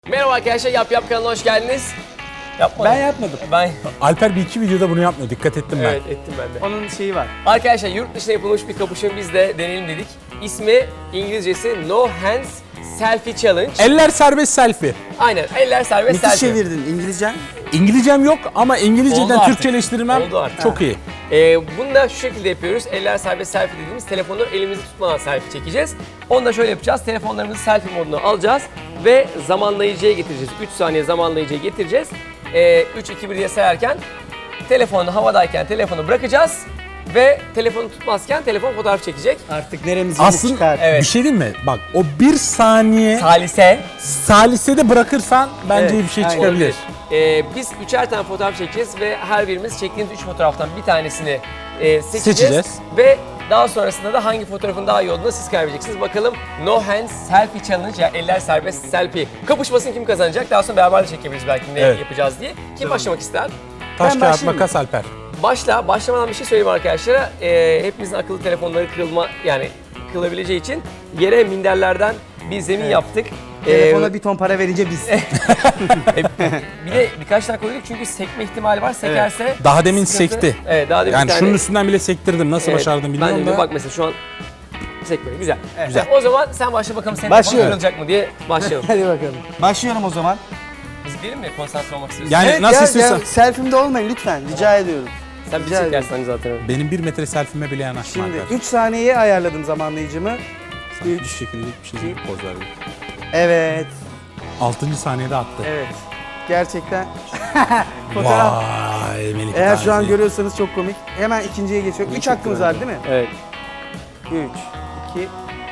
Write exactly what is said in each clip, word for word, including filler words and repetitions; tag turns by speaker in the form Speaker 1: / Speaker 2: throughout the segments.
Speaker 1: Merhaba arkadaşlar, Yap Yap kanalına hoş geldiniz. Yapmadım.
Speaker 2: Ben yapmadım.
Speaker 1: Ben
Speaker 2: Alper bir iki videoda bunu yapmıyor. Dikkat ettim ben.
Speaker 1: evet ettim ben de.
Speaker 2: Onun şeyi var.
Speaker 1: Arkadaşlar yurt dışında yapılmış bir kapışma biz de deneyelim dedik. İsmi İngilizcesi No Hands Selfie Challenge.
Speaker 2: Eller serbest selfie.
Speaker 1: Aynen, eller serbest
Speaker 3: Müthiş
Speaker 1: selfie.
Speaker 3: çevirdin İngilizcen.
Speaker 2: İngilizcem yok ama
Speaker 1: Oldu
Speaker 2: İngilizceden
Speaker 1: artık.
Speaker 2: Türkçeleştirmem
Speaker 1: Oldu artık.
Speaker 2: çok iyi.
Speaker 1: Ee, bunu da şu şekilde yapıyoruz. Eller serbest selfie dediğimiz telefonu elimizi tutmadan selfie çekeceğiz. Onu da şöyle yapacağız. Telefonlarımızı selfie moduna alacağız ve zamanlayıcıya getireceğiz. üç saniye zamanlayıcıya getireceğiz. Ee, üç, iki, bir diye sayarken telefonu havadayken telefonu bırakacağız ve telefonu tutmazken telefon fotoğraf çekecek.
Speaker 3: Artık neremiz yeni
Speaker 2: Aslında
Speaker 3: çıkar.
Speaker 1: Evet.
Speaker 2: bir şey diyeyim mi? Bak o bir saniye
Speaker 1: Salise.
Speaker 2: salisede bırakırsan bence
Speaker 1: Evet,
Speaker 2: iyi bir şey
Speaker 3: aynen.
Speaker 2: çıkabilir.
Speaker 1: Ee, biz üçer tane fotoğraf çekeceğiz ve her birimiz çektiğimiz üç fotoğraftan bir tanesini e, seçeceğiz.
Speaker 2: Seçeceğiz.
Speaker 1: Ve daha sonrasında da hangi fotoğrafın daha iyi olduğunu siz karar vereceksiniz. Bakalım No Hands Selfie Challenge, yani eller serbest selfie kapışmasını kim kazanacak? Daha sonra beraber de çekebiliriz belki ne
Speaker 2: Evet.
Speaker 1: yapacağız diye. Kim başlamak ister?
Speaker 2: Taş
Speaker 3: Ben
Speaker 2: kağıt
Speaker 3: başlayayım
Speaker 2: makas Alper.
Speaker 1: Başla. Başlamadan bir şey söyleyeyim arkadaşlara. Ee, hepimizin akıllı telefonları kırılma, yani kırılabileceği için yere minderlerden bir zemin yaptık.
Speaker 3: Telefona
Speaker 1: Ee,
Speaker 3: bir ton para verince biz.
Speaker 1: bir de birkaç tane koyduk çünkü sekme ihtimali var. Sekerse
Speaker 2: Daha demin
Speaker 1: sıkıntı.
Speaker 2: sekti.
Speaker 1: Evet, daha demin
Speaker 2: Yani
Speaker 1: bir tane.
Speaker 2: şunun üstünden bile sektirdim. Nasıl
Speaker 1: Evet,
Speaker 2: başardım bilmiyorum
Speaker 1: ben de
Speaker 2: da.
Speaker 1: bak mesela şu an sekmedi. Güzel.
Speaker 2: Güzel.
Speaker 1: O zaman sen başla bakalım senin
Speaker 3: Başlıyorum.
Speaker 1: telefonun kırılacak mı diye başlayalım.
Speaker 3: Hadi bakalım. Başlıyorum o zaman.
Speaker 1: Biz bilelim mi konsantre olmak istiyorsun?
Speaker 2: Yani
Speaker 3: Evet,
Speaker 2: nasıl
Speaker 3: ya,
Speaker 2: istiyorsan.
Speaker 3: ya, selfie'mde olmayın lütfen. Rica ediyorum.
Speaker 1: sen bir
Speaker 3: rica ederim.
Speaker 1: çekersin hani zaten.
Speaker 2: Benim bir metre selfie'me bile yanaşma
Speaker 3: Şimdi
Speaker 2: Alper.
Speaker 3: üç saniyeye ayarladım zamanlayıcımı.
Speaker 2: Üç şekildelik bir şey değil. Poz verdim.
Speaker 3: Evet.
Speaker 2: Altıncı saniyede attı.
Speaker 3: Evet. Gerçekten. Fotoğraf.
Speaker 2: Vay Melih.
Speaker 3: Eğer şu an
Speaker 2: Tanesi.
Speaker 3: görüyorsanız çok komik. Hemen ikinciye geçiyorum. Üç hakkımız var değil mi?
Speaker 1: Evet.
Speaker 3: Üç, iki.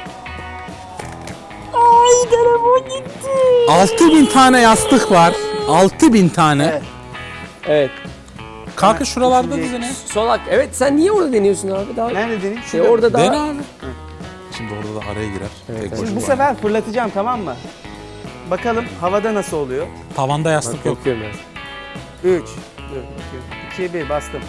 Speaker 2: altı bin tane yastık var. altı bin tane.
Speaker 3: Evet.
Speaker 1: Evet.
Speaker 2: Kanka şuralarda
Speaker 3: Üçüncü-
Speaker 2: dizine.
Speaker 1: Son hak. Evet, sen niye orada deniyorsun abi? Daha
Speaker 3: Nerede deneyim?
Speaker 1: şey,
Speaker 3: Şurada.
Speaker 1: orada daha...
Speaker 2: Dene abi. Şimdi orada da araya girer. Tek
Speaker 3: Şimdi
Speaker 2: boşluk
Speaker 3: bu
Speaker 2: var.
Speaker 3: sefer fırlatacağım, tamam mı? Bakalım havada nasıl oluyor?
Speaker 2: Tavanda yastık yok.
Speaker 1: Korkuyorum biraz.
Speaker 3: üç, iki, bir bastım.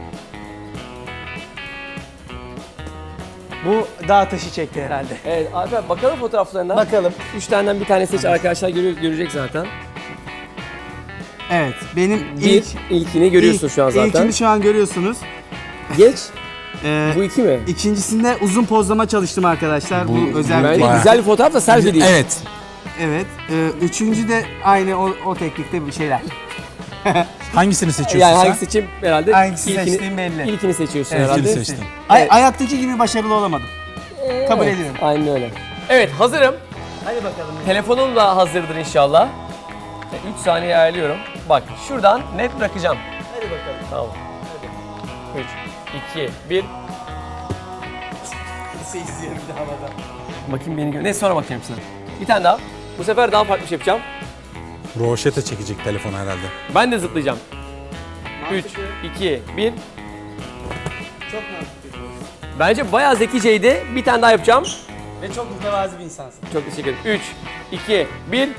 Speaker 3: Bu dağ taşı çekti herhalde.
Speaker 1: Evet Alper, bakalım fotoğraflarına.
Speaker 3: Bakalım.
Speaker 1: Üç taneden bir tane seç, arkadaşlar görüyor, görecek zaten.
Speaker 3: Evet, benim
Speaker 1: Bir,
Speaker 3: ilk
Speaker 1: ilkini görüyorsun
Speaker 3: ilk-
Speaker 1: şu an zaten.
Speaker 3: İlkini şu an görüyorsunuz.
Speaker 1: Geç.
Speaker 3: Ee,
Speaker 1: Bu iki mi?
Speaker 3: ikincisinde uzun pozlama çalıştım arkadaşlar. Bu,
Speaker 2: Bu-
Speaker 3: özel
Speaker 1: Bence
Speaker 2: Bayağı.
Speaker 1: güzel bir fotoğraf da selfie değil.
Speaker 2: Evet.
Speaker 3: Evet. Ee, üçüncü de aynı o, o teknikte bir şeyler.
Speaker 2: Hangisini seçiyorsun
Speaker 1: Yani
Speaker 2: sen?
Speaker 1: hangi seçim herhalde?
Speaker 3: Hangisi
Speaker 1: İlkini-
Speaker 3: seçtiğim belli.
Speaker 1: İlkini seçiyorsun
Speaker 3: Evet,
Speaker 1: herhalde.
Speaker 2: İlkini seçtim.
Speaker 3: Ay,
Speaker 1: Evet.
Speaker 3: hayattaki gibi başarılı olamadım. Kabul
Speaker 1: Evet,
Speaker 3: ediyorum.
Speaker 1: Aynen öyle. Evet, hazırım.
Speaker 3: Hadi bakalım.
Speaker 1: Telefonum da hazırdır inşallah. üç saniye ayarlıyorum. Bak şuradan net bırakacağım.
Speaker 3: Hadi bakalım.
Speaker 1: Tamam. üç, iki, bir.
Speaker 3: Nasıl izliyorum bir de havada.
Speaker 1: Bakayım beni gör. Ne sonra bakayım sana. Bir tane daha. Bu sefer daha farklı bir şey yapacağım.
Speaker 2: Roşete çekecek telefonu herhalde.
Speaker 1: Ben de zıplayacağım. üç,
Speaker 3: Mantıklı.
Speaker 1: iki, bir.
Speaker 3: Çok mantıklı.
Speaker 1: Bence bayağı zekiceydi. Bir tane daha yapacağım.
Speaker 3: Ve çok mütevazi bir insansın.
Speaker 1: Çok teşekkür ederim. üç, iki, bir.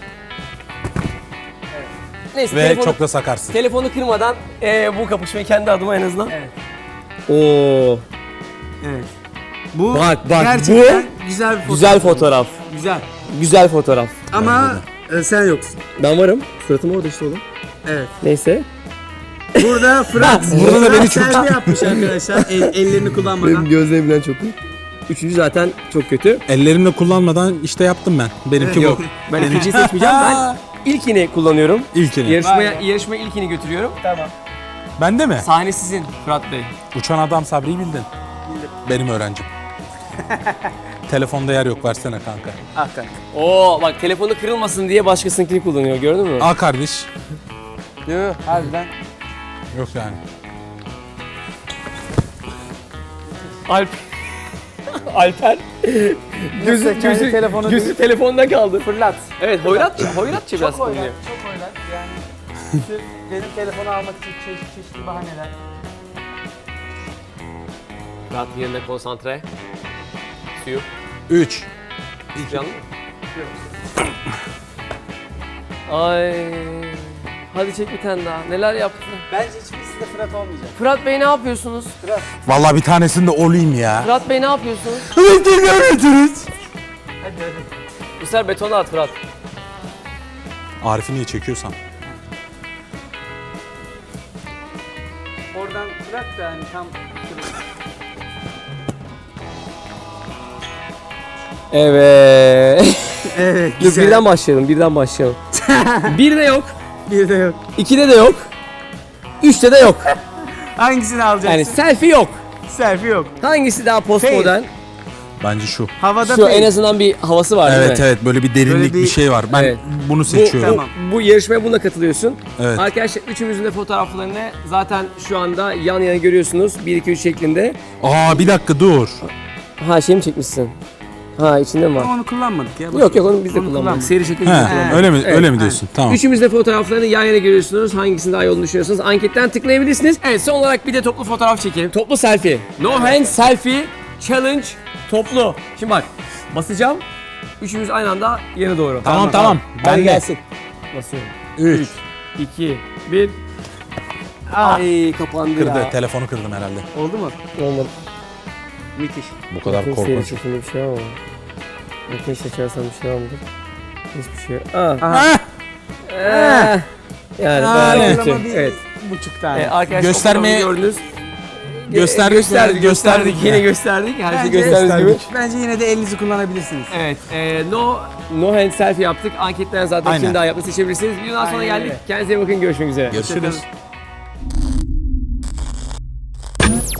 Speaker 1: Neyse,
Speaker 2: Ve
Speaker 1: telefonu,
Speaker 2: çok da sakarsın.
Speaker 1: telefonu kırmadan eee, bu kapışmayı kendi adıma en azından.
Speaker 3: Evet.
Speaker 1: Oo,
Speaker 3: Evet. Bu
Speaker 1: Bak, bak,
Speaker 3: gerçekten güzel bir fotoğraf.
Speaker 1: güzel fotoğraf.
Speaker 3: Güzel.
Speaker 1: Güzel fotoğraf.
Speaker 3: Ama e, sen yoksun.
Speaker 1: Ben varım. Suratım orada işte oğlum.
Speaker 3: Evet.
Speaker 1: Neyse.
Speaker 3: Burada Fırat.
Speaker 2: Burada da beni çok-
Speaker 3: selfie yapmış arkadaşlar. El, ellerini kullanmadan.
Speaker 1: gözlerimden çok iyi. Üçüncü zaten çok kötü.
Speaker 2: Ellerimle kullanmadan işte yaptım ben. Benimki
Speaker 1: Yok.
Speaker 2: bu.
Speaker 1: Ben ikinciyi seçmeyeceğim. Ben ilkini kullanıyorum.
Speaker 2: İlkini.
Speaker 1: Yarışmaya,
Speaker 3: Vay be.
Speaker 1: yarışma ilkini götürüyorum.
Speaker 3: Tamam.
Speaker 2: Bende mi?
Speaker 1: Sahne sizin Fırat Bey.
Speaker 2: Uçan adam Sabri'yi bildin.
Speaker 3: Bildim.
Speaker 2: Benim öğrencim. Telefonda yer yok, versene kanka.
Speaker 3: Ah kanka.
Speaker 1: Oo bak, telefonu kırılmasın diye başkasınınkini kullanıyor, gördün mü?
Speaker 2: Al kardeş.
Speaker 3: Yok harbiden.
Speaker 2: Yok yani.
Speaker 1: Alp. Alper. gözü,
Speaker 3: Yoksa kendi
Speaker 1: gözü,
Speaker 3: telefonu
Speaker 1: gözü
Speaker 3: değil.
Speaker 1: telefonda kaldı.
Speaker 3: Fırlat.
Speaker 1: Evet, hoyratça, hoyratça biraz
Speaker 3: Çok oynar.
Speaker 1: kullanıyor.
Speaker 3: Çok oynar. Yani sırf benim telefonu almak için çeşitli çeşitli bahaneler.
Speaker 1: Fırat yerine konsantre. Suyu.
Speaker 2: üç.
Speaker 1: Canlı mı? Ay. Hadi çek bir tane daha. Neler yaptın?
Speaker 3: Bence hiçbirisinde Fırat olmayacak.
Speaker 1: Fırat Bey ne yapıyorsunuz?
Speaker 3: Fırat.
Speaker 2: Vallahi bir tanesinde olayım ya.
Speaker 1: Fırat Bey ne yapıyorsunuz?
Speaker 2: Evet, görüyorsunuz.
Speaker 3: Hadi hadi.
Speaker 1: Bu sefer betona at Fırat.
Speaker 2: Arif'i niye çekiyorsan?
Speaker 3: Oradan bırak da hani tam
Speaker 1: Evet.
Speaker 3: Evet.
Speaker 1: Dur birden başlayalım, birden başlayalım. Birde yok,
Speaker 3: Bir de yok.
Speaker 1: ikide de yok, üçte de yok.
Speaker 3: Hangisini alacaksın?
Speaker 1: Yani selfie yok.
Speaker 3: Selfie yok.
Speaker 1: Hangisi daha postmodern?
Speaker 2: Bence şu.
Speaker 3: Havada
Speaker 1: Şu
Speaker 3: fake.
Speaker 1: en azından bir havası var değil
Speaker 2: Evet
Speaker 1: mi?
Speaker 2: evet böyle bir derinlik
Speaker 3: Böyle
Speaker 2: bir,
Speaker 3: bir-
Speaker 2: şey var. Ben
Speaker 1: Evet.
Speaker 2: bunu
Speaker 1: Bu,
Speaker 2: seçiyorum.
Speaker 3: Tamam.
Speaker 1: bu yarışmaya bununla katılıyorsun.
Speaker 2: Evet.
Speaker 1: Arkadaşlar üçümüzün de fotoğraflarını zaten şu anda yan yana görüyorsunuz. bir iki üç şeklinde.
Speaker 2: Aa bir dakika dur.
Speaker 1: Ha şey mi çekmişsin? Ha içinde mi var?
Speaker 3: Ama onu kullanmadık ya. boş
Speaker 1: Yok yok
Speaker 3: ver.
Speaker 1: onu biz de
Speaker 3: Onu
Speaker 1: kullanmadık.
Speaker 3: kullanmadık.
Speaker 1: Seri şekilde
Speaker 2: He,
Speaker 1: kullanmadık.
Speaker 2: öyle mi
Speaker 1: Evet.
Speaker 2: öyle mi diyorsun? Tamam.
Speaker 1: Üçümüz de fotoğraflarını yan yana görüyorsunuz. Hangisinin daha iyi olduğunu düşünüyorsanız anketten tıklayabilirsiniz. Evet son olarak bir de toplu fotoğraf çekelim. Toplu selfie. No hand selfie challenge toplu. Şimdi bak basacağım. Üçümüz aynı anda yana doğru.
Speaker 2: Tamam, tamam.
Speaker 1: Hadi
Speaker 2: Ben de.
Speaker 1: gelsin. Basıyorum.
Speaker 2: üç.
Speaker 1: iki, bir. Ay kapandı
Speaker 2: Kırdı.
Speaker 1: ya.
Speaker 2: Telefonu kırdım herhalde.
Speaker 3: Oldu mu?
Speaker 1: Olmadı.
Speaker 3: Müthiş.
Speaker 2: Bu kadar
Speaker 1: Bakın seri
Speaker 2: korkunç.
Speaker 1: çekimde bir şey var mı? Bakın seçersem bir şey var mıdır? Hiçbir şey yok. Aa.
Speaker 3: Aha.
Speaker 1: Ee, yani
Speaker 2: Yani.
Speaker 1: bayağı kötü.
Speaker 3: Ortalama bir
Speaker 1: Evet.
Speaker 3: buçuk tane.
Speaker 1: Ee, arkadaşlar
Speaker 2: Göstermeye-
Speaker 1: fotoğrafı gördünüz.
Speaker 2: Gösterdik,
Speaker 1: gösterdik, gösterdik.
Speaker 2: gösterdik
Speaker 1: Yine
Speaker 2: ya.
Speaker 1: gösterdik. Her şeyi
Speaker 3: Bence-
Speaker 1: gösterdiğimiz gibi.
Speaker 2: Gösterdik.
Speaker 3: Bence yine de elinizi kullanabilirsiniz.
Speaker 1: Evet, e, no no hand selfie yaptık. Anketten zaten
Speaker 2: Aynen.
Speaker 1: kim daha yaptığını seçebilirsiniz. Videodan sonra
Speaker 3: Aynen
Speaker 1: geldik.
Speaker 3: öyle.
Speaker 1: Kendinize iyi bakın. Görüşmek üzere.
Speaker 2: Görüşürüz.